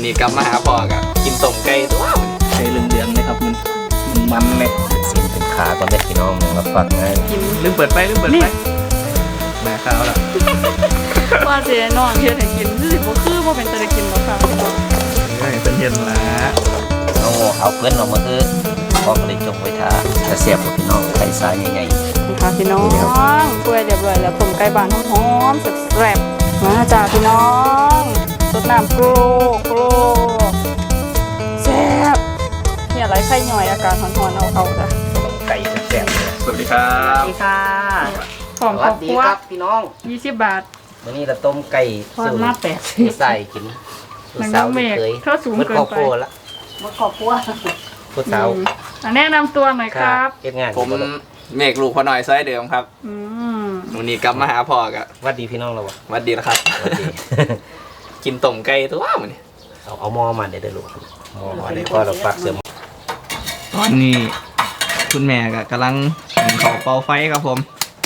นี้กลับมาหาพ่อกับกินต้มไก่ตัวไก่เหลืองๆเลยครับมันเลยสินเป็นขาก่อนได้พี่น้องมาฝากไงกินลืมเปิดไฟแม่ข้าวแล้วว่าเจ๊นอนเที่ยงกินรู้สึกว่าคือว่าเป็นตะกินบ่ค่ะเป็นเย็นแล้วเอาเพื่อนออกมาคือพอกเลยจงไว้ทาจะเสียบกับพี่น้องไข่ทรายใหญ่ๆค่ะพี่น้องเปื่อยเรียบร้อยแล้วต้มไก่บ้านหอมๆแซ่บๆมาจ้าพี่น้องสดน้ำโกรแซ่บเนี่ยไรไข่หน่อยอากาศร้อนๆเอาจ้ะไก่แซ่บสวัสดีครับสวัสดีค่ะของครอบครัวพี่น้อง 20 บาทวันนี้เราต้มไก่ทอดมา80 ใส่กินสาวเคยเท่าสูงเกินไปมาขอบครัวผู้สาวแนะนำตัวหน่อยครับผมเมฆลูกพ่อหน่อยซอยเดิมครับวันนี้กลับมาหาพ่อกับวัดดีพี่น้องเราวัดดีนะครับกินต้มไก่ตัวมันนี่เอาหม้อมาเดี๋ยวลูกหม้อมาเดี๋ยวพ่อเราฝากเสริมตอนนี้คุณแม่ก็กำลังขอเป่าไฟครับผม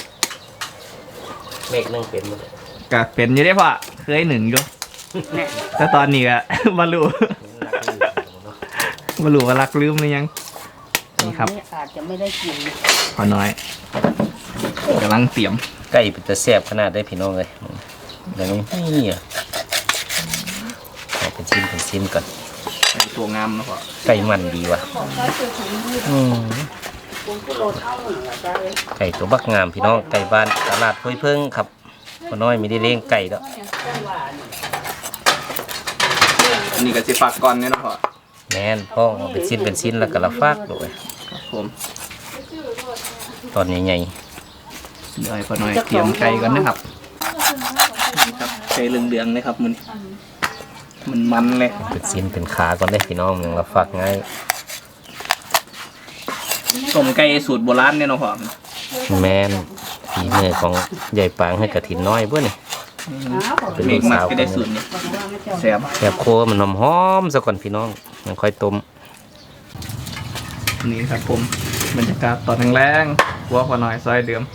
เมฆนึ่งเป็นมั้ยก็เป็นอยู่ได้พ่อเคยหนึ่งอยู่แต่ตอนนี้ก็มารู้ว่ารักลืมหรือยังนี่ครับอาจจะไม่ได้กินพอน้อยกำลังเตรียมไก่เป็นตะแซ่บขนาดได้พี่น้องเลยอย่างนี้นี่อ่ะเป็นชิ้นก่อนตัวงามนะพ่อไก่มันดีว่ะไก่ตัวบักงามพี่น้องไก่บ้านตลาดห้วยเพิ่งครับพอน้อยมีได้เลี้ยงไก่แล้วอันนี้ก็จะฝากก่อนเนี่ยนะพ่อแม่นพ่อเป็นชิ้นแล้วก็ละฟากด้วยครับผมตอนใหญ่เดี๋ยวพอน้อยเตรียมไก่ก่อนนะครับไก่เหลืองๆเลยครับมันเลยเป็นชิ้นเป็นขาก่อนได้พี่น้องยังละฟากง่ายต้มไก่สูตรโบราณเนี่ยนะพ่อแม่นฝีมือของใหญ่ปางให้กระถินน้อยเพื่อนนี่เป็นลูกสาวก็ได้สูตรนี้แซ่บโคมันหอมๆซะก่อนพี่น้องยังค่อยต้มนี่ครับผมบรรยากาศตอนแรงๆวัวพอน้อยซอยเดิม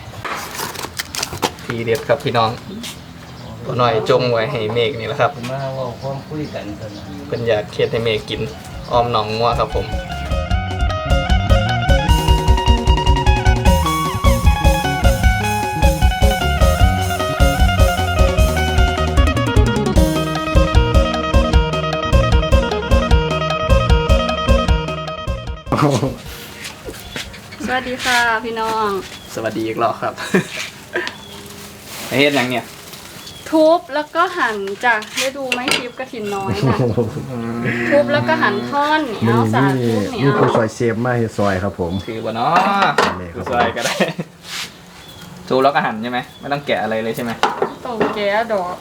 ทีเด็ดครับพี่น้องพอน้อยจงไว้ให้เมฆนี่แหละครับมาว่าพร้อมคุยกันเป็นอยากเคียดให้เมฆกินออมหนองงัวครับผมสวัสดีค่ะพี่น้องสวัสดีอีกรอบครับเฮ็ดอย่างเนี้ยทุบแล้วก็หั่นจ้ะได้ดูไหมคลิปกระถินน้อยนะทุบแล้วก็หั่นท่อนเหนียวสาทุบเหนียวมีผู้ซอยเชฟมาให้ซอยครับผมคือบ่เนาะผู้ซอยก็ได้ทุบแล้วก็หั่นใช่ไหมไม่ต้องแกะอะไรเลยใช่ไหมต้องแกะดอก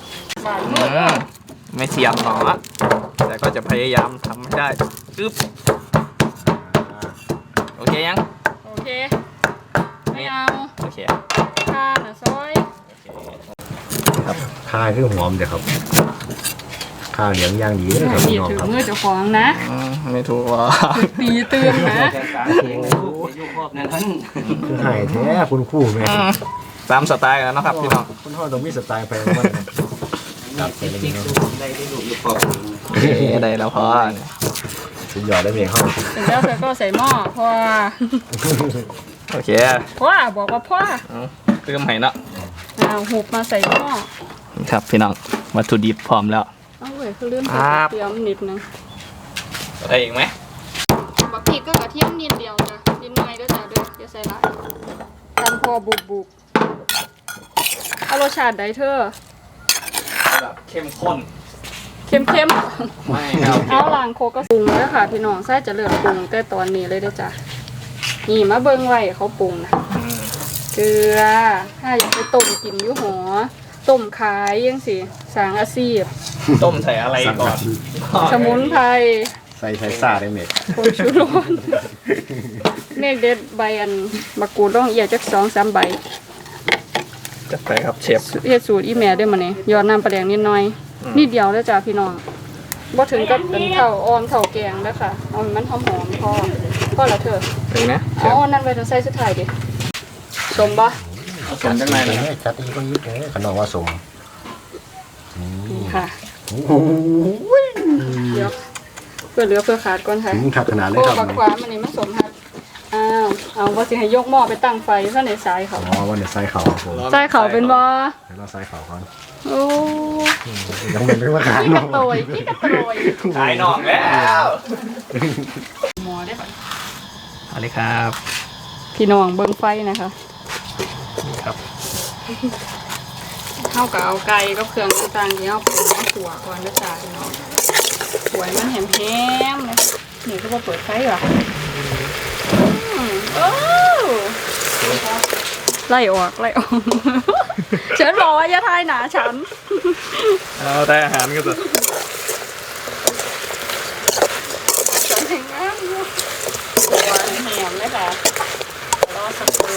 ไม่เทียมหรอกแต่ก็จะพยายามทำให้ได้อึ๊บโอเคยังโอเคไม่เอาโอเคข้าหน่ะซอยครับข้าคือหอมเดี๋ยวครับข้าวเหนียวย่างดีเลยครับพี่น้องครับมือเจ้าของนะไม่ถูกว่าตีเตือนนะคือหายแท้คุณคู่แม่ตามสไตล์แล้วนะครับพี่น้องคุณพ่อต้องมีสไตล์ไปว่าครับเป็นอะไรเนาะได้แล้วพอสุดยอดได้เพียงเข้าเสร็จแล้วเธอก็ใส่หม้อพ่อโอเคพ่อบอกว่าพ่อเติมให้เนาะหุบมาใส่หม้อครับพี่น้องวัตถุดิบพร้อมแล้วเอาเว้ยคือเริ่มเตรียมนิดนึงได้อีกไหมบักพริกก็กระเทียมนิดเดียวจ้ะนิดหน่อยก็จะด้วยจะใส่ละตำพอบุกเอารสชาติได้เธอแบบเข้มข้นเข้มไม่ครับเอาล้างโคก็ปรุงแล้วค่ะพี่น้องใส่จะเลือกปรุงแต่ตอนนี้เลยได้จ้ะนี่มาเบิ้งไว้เขาปรุงนะเกลือถ้าอยากไปต้มกินอยู่หอต้มขายยังสิสางอาชีพต้มใส่อะไรก่อนสมุนไพรใส่ไทยซาได้เมฆผงชูรสเมฆเด็ดใบอันมะกรูดต้องเอียจัก2-3 ใบจัดไปครับเชฟเฮ็ดสูตรอีแม่ได้มาเนี่ยยอดน้ำปลาแดงนิดหน่อยนิดเดียวแล้วจ้ะพี่น้องบ่ถึงกับเป็นเท่าออมเท่าแกงแล้วค่ะเอามันหอมๆพอแล้วเถอะเป็นนะอ๋อนั่นไว้ต้องใส่สุดท้ายดิสมบ่สมจังไงนะจัดอีกก็ยิบเลยขนมว่าสมค่ะโอ้ยเดี๋ยวเพื่อเหลือเพื่อขาดก่อนค่ะถึงขัดขนาดเลยโอ้ครับบักขวามันนี่มันสมฮัดเอาว่าสิให้ยกหม้อไปตั้งไฟซะในสายเขาอ๋อวันนี้ใส่เขาครับผมสายเขาเป็นบ่เดี๋ยวเราใส่เขาก่อนโอ้ยังเป็นเรื่องขาดพี่กเนาะระโตยพี่กระโตยขายน่องแล้วหมอได้ปะเอาเลยครับพี่น้องเบิ่งไฟนะคะนี่ครับเท่ากับเอาไก่กับเครื่องต่างๆที่เอาไปขัวก่อนด้วยจ้าพี่น้องขัวให้มันแหมๆนะนี่ก็มาเปิดไฟเหรอโอ้ไล่ออก ฉันบอกว่าอย่าทายหนาฉันเอาได้อาหารก็จะฉันแห่งงามอยู่ขัวแหมเลยค่ะรอสักครู่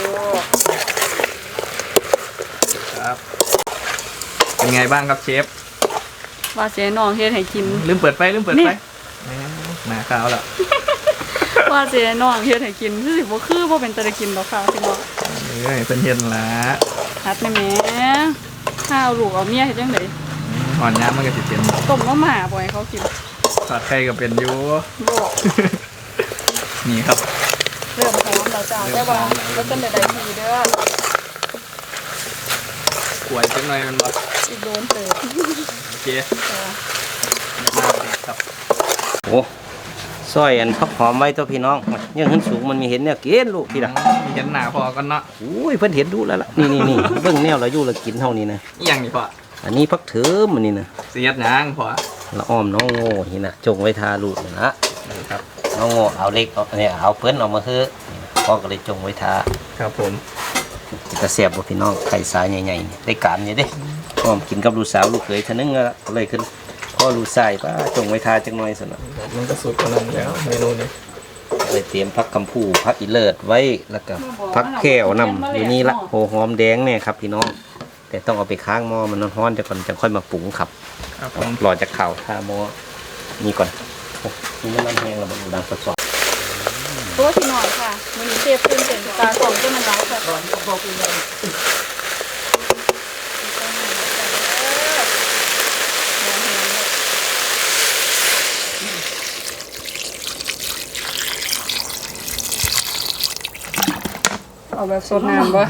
ครับเป็นไงบ้างครับเชฟว่าเจ๊น้องเฮ็ดให้กินลืมเปิดไฟนี่หนาข้าวแล้วว่าเจ๊น้องเฮ็ดให้กินคือสิบ่คือบ่เป็นตะได้กินดอกค่ะพี่น้องเอ้ยเป็นเย็นละฮัดแม่แม่ข้าวลูกเอาเมียเฮ็ดจังได๋หอนย้ำมันก็สิเป็นต้มมาม่าบ่ให้เขากินทอดไข่ก็เป็นอยู่บ่นี่ครับเริ่มหอมแล้วจ้าแต่ว่าบ่ทันได้ทีเด้อกล้วยจังหน่อยมันบ่อีกโดนเติบโอเคจ้ามาเลยครับโอ้ซอยอันพักหอมไว้ตัวพี่น้องยังขึ้นสูงมันมีเห็นเนี่ยกินลูกพี่ละมีเห็นหนาพอกันเนาะอุ้ยเพิ่นเห็นดูแล้วล่ะนี่เบิ่งแนวเราอยู่เรากินเท่านี้นะอีหยังนี่พออันนี้พักเถิมอันนี้นะเสียดหยังพอละอ้อมน้องโง่นี่นะจงไว้ทาลูกนะนี่ครับน้องโง่เอาเล็กเอาเนี่ยเอาเพิ่นออกมาคือพ่อก็เลยจงไว้ทาครับผมจะเสียบบ่พี่น้องไข่สายใหญ่ๆนี่ได้การนี่เด้อ้อมกินกับลูกสาวลูกเขยเท่านึงก็เลยขึ้นพ่อลูกชายป้าจงไว้ทาจังหน่อยซั่นน่ะมันก็สุดกว่านั้นแล้วเมนูนี้เลยเตรียมผักกำพูผักอีเลิศไว้แล้วก็ผักแก้วนำอยู่นี่ละโหหอมแดงเนี่ยครับพี่น้องแต่ต้องเอาไปค้างหม้อมันร้อนๆจะก่อนจะค่อยมาปรุงครับครับผมรอจากข่าวท่าหม้อนี่ก่อนโอ้นี่มันน้ำแห้งแล้วมันดังสดตัวพี่น้องค่ะมื้อนี้เชฟตื่นเต้นตาของเจ้ามันหลายค่ะเอาแบบสดน้ำบ่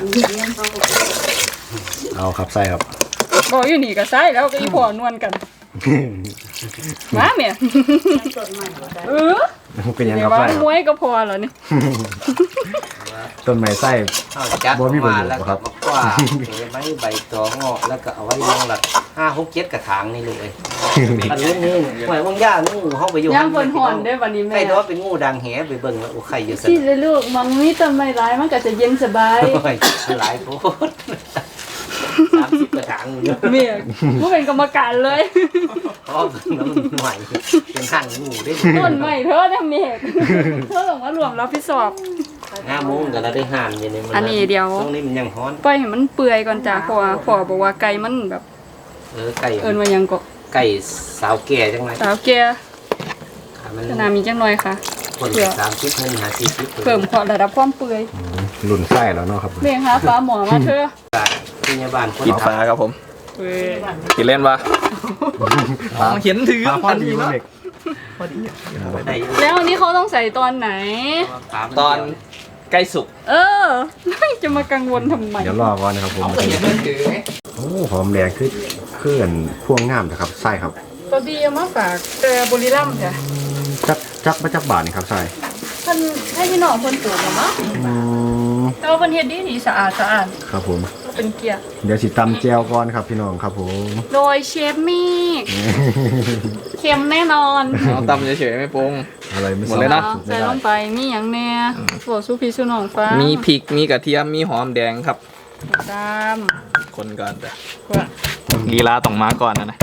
เอาครับใส่ครับบอกอยู่นี่ก็ใส่แล้วก็อีพ่อนวลกัน มาแม่เออเป็นยังเดี๋คยรับวว่าใส่คมรับวยก็พอแล้วนี่ต้นไม้ไส้ๆเอาจัดบ่มีประมาโยชน์แล้วครัก็บมากว่าเก็บไว้ใบตองงอกแล้วก็เอาไว้ยังหลัก5-6-7กระถางนี่เลยอันนี้งูหมายว่างย่างูเฮาไปอยู่ย่างเพิ่นห่อนได้อวันนี้แม่ใครแต่ว่าเป็นงูดังแหไปเบิ่งแล้วโอ้ไข่อยู่ซั่นที่เลยลูกมันมีต้นไม้หลายมันก็จะเย็นสบายโอ้ยหลายโพด30กระถางอยู่เมียผู้เป็นกรรมการเลยเพราะน้ำใหม่เป็นหั่นงูได้ต้นไม้เธอเนี่ยเมียเธอต้องมารวมรับผิดชอบ 5 โมงก็เราได้หั่นอยู่ในมันอันนี้เดี๋ยวตรงนี้มันยังฮ้อนปล่อยให้มันเปื่อยก่อนจ้ะเพราะว่าพ่อบอกว่าไก่มันแบบไก่เอิ้นว่าหยังก็ไก่สาวแก่จังไงสาวแก่มันขนาดมีจังหน่อยค่ะคน30เพิ่น50 เพิ่มความระดับความเปื่อยหลุ่นไส้แล้วเนาะครับเมียคะฟ้าหมอมาเธอพยาบาลคนกินฟ้าครับผมเว้ยกินเล่นปะอ๋อเห็นถือพอดีเนาะเด็กพอดีได้แล้วอันนี้เขาต้องใส่ตอนไหนตอนใกล้สุกเออ จะมากังวลทำไมเดี๋ยวรอก่อนนะครับผมก็เห็นมันถือไงโอ้หอมแดงคือเคลื่อนพวงงามนะครับไส้ครับตัวดีเอามาฝากแต่บุรีรัมย์จ้ะจักมาจักบาทนี่ครับไส้เพิ่นให้พี่น้องเพิ่นปลูกมามั้ง แต่ว่าเพิ่นเฮ็ดดีสะอาดครับผมเป็นเกียร์เดี๋ยวสิตำแจวก่อนครับพี่น้องครับผมโดยเชฟมิกเค็มแน่นอนเอาตำเฉยๆไม่ปรุงอะไรไม่หมดเลยนะใส่ลงไปมีหยังแหน่โวสู้พี่สู้น้องฟ้ามีมีพริก มีกระเทียม มีหอมแดงครับตามคนก่อนแต่ว่าลีลาต้องมาก่อนนะ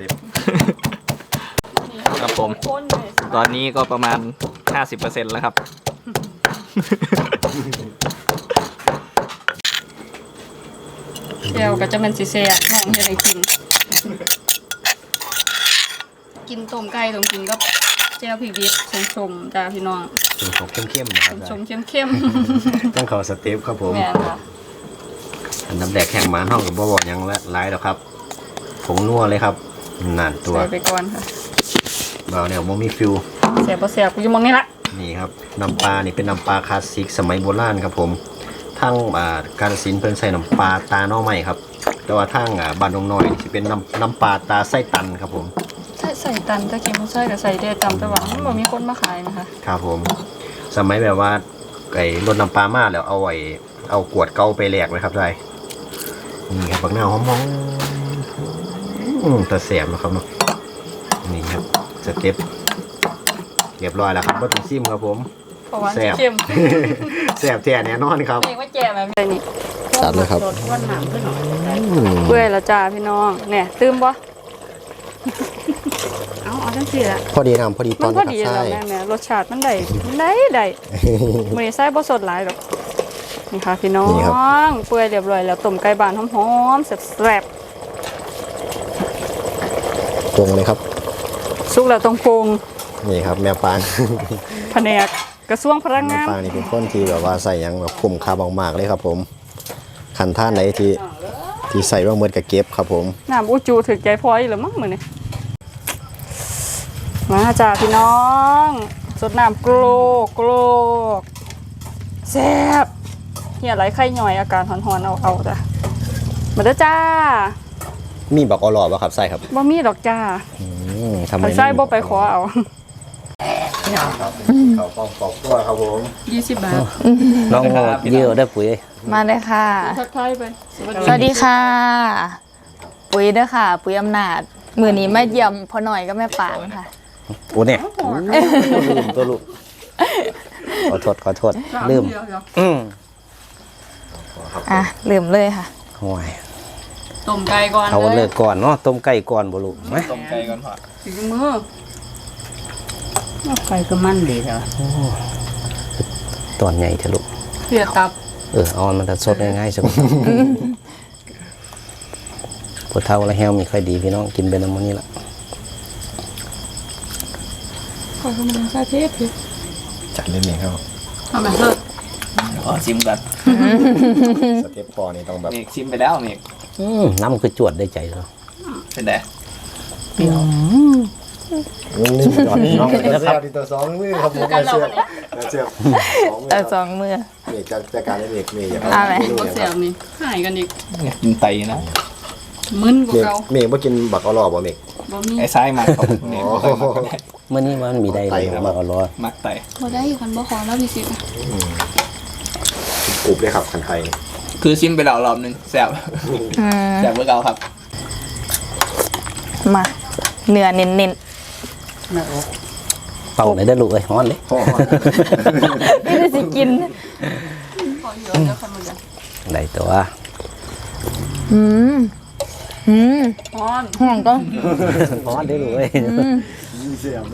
ครับผมคนเลยตอนนี้ก็ประมาณ 50% แล้วครับเดี๋ยวก็จะเป็นสิแซ่บน้องเฮ็ดให้กิน กินต้มไก่ต้องกินกับแจ่วพริกดิบชมๆจ้าพี่น้องเป็นของเข้มๆนะครับชมๆเข้มต้องขอสเต็ปครับผๆมแม่นค่ะอันน้ำแดกแห้งหมานห้องกับบ่บอกหยังละหลายแล้วครับผงนัวเลยครับนั่นตัวใส่ไปก่อนค่ะบ่าวเนี่ยโมมีฟิวแสบบ่แสบกูอยู่หมองนี้ละนี่ครับน้ำปลานี่เป็นน้ำปลาคลาสสิกสมัยโบราณครับผมทั้งกาฬสินธุ์เพิ่นใส่น้ำปลาตาหน่อไม้ครับแต่ว่าทั้งบ้านดงน้อยนี่สิเป็นน้ำปลาตาไส้ตันครับผมใส่ตันตะกี้มันใส่ก็ใส่ได้ตามแต่ว่ามันบ่มีคนมาขายนะคะครับผม สมัยแบบว่าไอ้รถน้ำปลามาแล้วเอากวดเก่าไปแลกไว้ครับได้นี่ครับบักหน้าวหอมๆแต่แสบนะครับเนาะนี่ครับสเต็ปเรียบร้อยแล้วครับบ่ต้องซิมครับผมเพราะว่าแซ่บเข้มแสบแท้แน่นอนครับเองว่าแจ่แบบนี้จัดเลยครับเปื่อยแล้วจ้าพี่น้องเนี่ยตื่มบ่เอาจังซี่ละพอดีน้ำพอดีตมัอน นพอนะดีครับแล้วใช่แม่รสชาติมันได้มื้อนี้ใส่บ่สดหลายดอกนี่ค่ะพี่น้องเปื่อยเรียบร้อยแล้วต้มไก่บ้านหอมๆแซ่บตรงเลยครับๆสุกแล้วต้องปรุงนี่ครับแม่ปางแผนกกระทรวงพลังแม่งานปางนี่เป็นคนที่แบบว่าใส่หยังแบบคุ้มค่ามากๆเลยครับผมขันท่านไหนที่ใส่ว่าเหมือนกับเก็บครับผมน้ำอุจูถึกใจพออีหรือมั้งมื้อนี้มาจ้าพี่น้องสดน้ำโกรกแซ่บเหี่ยไหลไข่ย่อยอาการหอนๆเอาจ้ะมาเด้อจ้ามีบักอลอบ่ครับใส่ครับบ่มีดอกจ้าทำไมคันใส่บ่ไปขอเอาครับเขาปอกตัวครับผม 20 บาทน้องเยอะได้ปุ๋ยมาเลยค่ะทักทายไปสวัสดีค่ะ ปุ๋ยเด้อค่ะ ปุ๋ยอำนาจ มือนี้มาเยี่ยมพ่อหน่อยก็แม่ปางค่ะโอ้เนี่ยลืมตัวลูกขอโทษลืมมอ่ะ ลืมเลยค่ะห่วยต้มไก่ก่อนเอาเลเลิยกก่อนเนาะต้มไก่ก่อนบ่ลูกไหมต้มไก่ก่อนพ่อถึงมือไฟก็มันดีแล้วตอนใหญ่เถอะลูกเสียตับเอามันจะสดง่ายๆสักพอเท่าแล้วแฮวมีค่อยดีพี่น้องกินไปน้ำมันนี่ละขอให้มันใส่เทปจัดเล่นเองครับทำไมเถอะขอชิมก่อนสเต็ปพอนี่ต้องแบบเมกชิมไปแล้วเมกน้ำคือจวดได้ใจแล้วเป็นไงนี่จอดน้องนะครับตัวสองมือครับผมเสียบแต่สองมือเมฆจัดการเมฆอยากเอาไหมบ่เสียบนี่หายกันอีกอยากกินไตนะมึนกว่าเก่าเมฆบ่กินบักอลอบ่เมฆบ่มีไอ้ซ้ายมาครับเมกบ่ค่อยมักกันได้เมื่อนี้มันมีได้เลยบักอลอมักไตบ่ได้คันบ่ขอแล้วพี่สิกรุบเลยครับคันไทยคือชิมไปแล้วรอบนึงแซ่บอืมแซ่บเมื่อเก่าครับมา เนื้อเน้นเป่าเลยได้ลูกเอ้ยฮ้อนเลยๆไม่ได้สิกินขอเยอะแล้วคันบ่ได้ได้ตัวอืม อืมฮ้อนห่วงก็ฮ้อนได้ลูกเอ้ยแซ่บ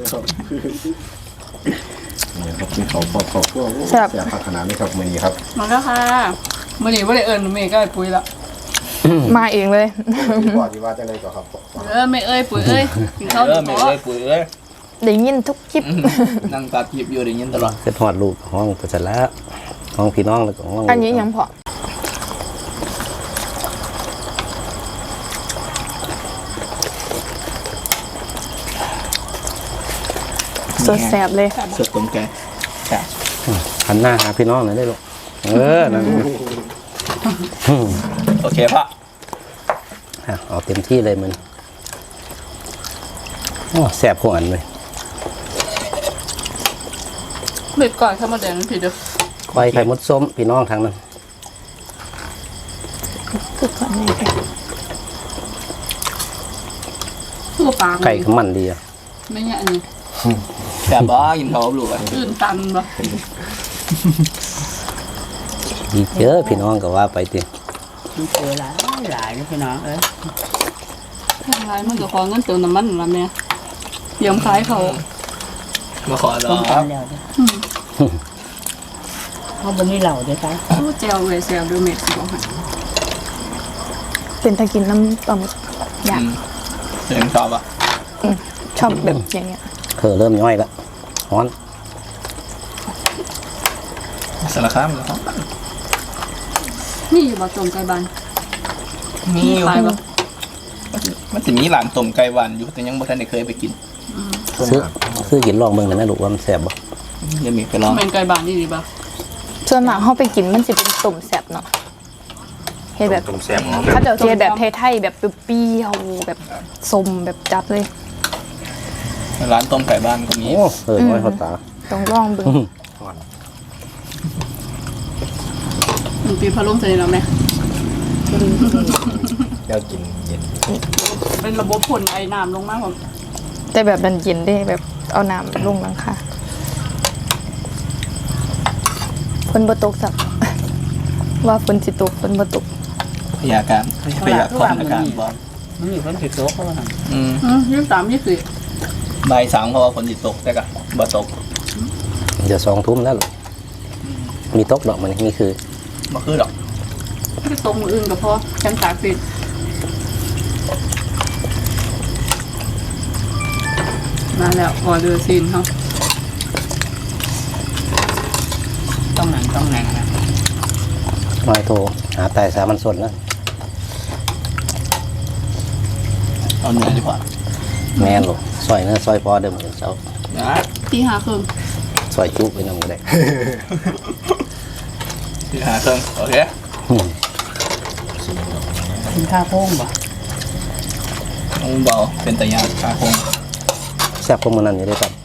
พักขนาดนี้ครับมื้อนี้ครับมาแล้วค่ะมื้อนี้บ่ได้เอิ้นแม่ก็ไอ้ปุ๋ยละมาเองเลยก่อนที่ว่าจะได้ก็ครับแม่เอ้ยปุ๋ยเอ้ยกินข้าวเอดีอเมบ่กเอ้ยปุ๋ยเอ้ยได้ยินทุกคลิปนั่งตัดหยิบอยู่ได้ยินตลอดเสร็จฮอดลูกห้องไปเสร็จแล้วห้องพี่น้องแล้วก็ห้องอันนี้ยังพอ สดแสบเลยสดต้มไก่ใช่หันหน้าหาพี่น้องหน่อยได้ลูกนั่นโอเคพ่อเอาเต็มที่เลยมันโอ้แสบหัวอันเลยเบ็ดก่อนข้าวมาแดงผิดเด้อควายไข่มดส้มพี่น้องทางนั้นตัวปลาไก่ขมันดีอ่ะไม่เนี่ยอันนี้แซ่บบ่กินข้าวกับลูกอ่ะตื่นตันบ่ดีเจอพี่น้องก็ว่าไปติมันเจอหลายนะพี่น้องเอ้ยทางไรมันก็ขอเงินเติมน้ำมันนั่นล่ะแม่เตรียมขายเขามาขอรต้อมคกัรับนแล้วเขาบนนี้เหล่าเด้อจ้ะโอ้แจวเว้ยแซวดูเม็ดสิบ่ให้เป็นตะกินน้ำปลาหมึกอยากเสียงชอบอ่ะชอบแบบอย่างเงี้ยเริ่มย่อยแล้วฮ้อนสารคามเหรอครับนี่อยู่บ่ต้มไก่บ้านมีอยู่ขายบ่มันสิมีร้านต้มไก่หวานอยู่แต่ยังบ่ทันได้เคยไปกินซื้อกินลองเบิ่งหน่อยนะลูกว่ามันแซ่บบ่ยังมีไปลองเป็นไก่บ้านนี่ดีป่ะส่วนมากเขาไปกินมันสิเป็นต้มแซ่บเนาะเฮ็ดแบบต้มแซ่บของเขาจะเฮ็ดแบบไทยๆแบบเปรี้ยวๆแบบส้มแบบจัดเลยร้านต้มไก่บ้านก็มีโอ้น้อยเขาตาต้องลองเบิ่งปีพะโล้ใส่แล้วไหมแล้วกินเย็นเป็นระบบผลไอ้น้ำลงมากผมแต่แบบดันเย็นได้แบบเอาน้ำลงหลังค่ะฝนบ่ตกสัก ว่าฝนสิตกฝนบ่ตกพยาการพยากรณ์อากาศบอกมันมีคนติดโต๊ะเขาว่า 23 บ่าย 3เขาว่าฝนสิตกแต่ก็บ่ตกเดี๋ยว2 ทุ่มแล้วลูกมีตกดอกมันนี่คือบ่คือหรอก 24ก็ตรงมืออื่นก็พอฉันตากสิมาแล้วออเดอร์ซีนเขาต้องนั่งนะน้อยโทรหาตายสามัญสนนะเอาเนื้อดีกว่าแม่นลูกซอยเนื้อซอยพอเดิมเจ้านะตีหาครึ่งซอยจุไปนำก็ได้ที่หาเครื่องโอเคกินข้าวโค้งบ่น้องเบาเป็นตะยานขาคงแซ่บพวกมันนั่นอยู่ได้ครับ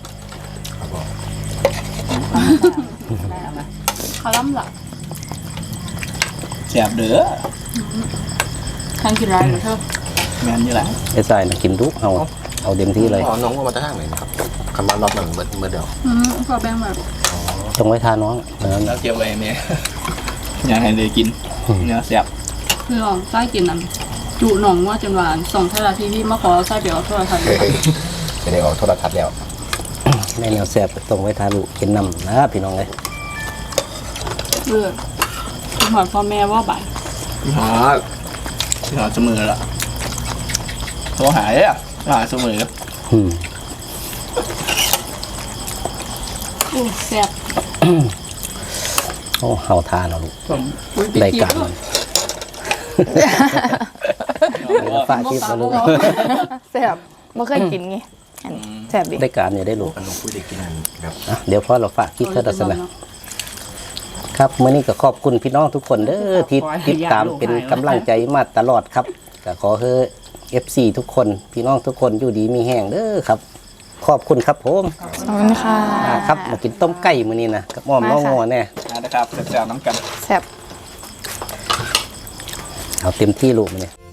ได้เอามาคาลัมล่ะแซ่บเด้อทานกินไรหรือเธอแม่นอยู่แหละไอ้ทรายนะกินทุกเอาเต็มที่เลยอ๋อน้องว่ามาจะทางไหนนะครับคำว่ารอบนั้นเมื่อเดียวขอแบ่งแบบจงไว้ทาน้องนั้นแล้วเก็บไว้เนี่ยอยากให้ได้กินเนื้อแซ่บคือลองไส้กินนั้นจุหนองว่าจนหวานส่งไทยรัฐทีวีมาขอไส้เดี๋ยวโทรทัศน์เลยจะได้ออกโทรทัศน์แล้วแม่แนวแซ่บตรงไว้ทาลูกกินน้ำนะพี่น้องเลยเลือดคุณหมอพ่อแม่ว่าบ่ายพี่หาเสมอละโทรหาเลยอ่ะหาเสมออืมอู้แซ่บโอ้เฮาทานเอาลูกอุ๊ยได้ปิดการคลิปมันฝากคลิปมาลูกแซ่บบ่เคยกินไงอันนี้แซ่บดิได้การอยู่ได้ลูกน้องพูดได้กินแบบอ่ะเดี๋ยวพอเราฝากคลิปเท่านั้นนะครับมื้อนี้ก็ขอบคุณพี่น้องทุกคนเด้อที่ติดตามเป็นกำลังใจมาตลอดครับก็ขอให้ FC ทุกคนพี่น้องทุกคนอยู่ดีมีแห้งเด้อครับ ขอบคุณครับผมขอบคุณค่ะครับมากินต้มไก่มื้อนี้นะกับหม้อมน้องงัวแน่นะครับแซ่บๆน้ำกันแซ่บเอาเต็มที่ลูกมื้อนี้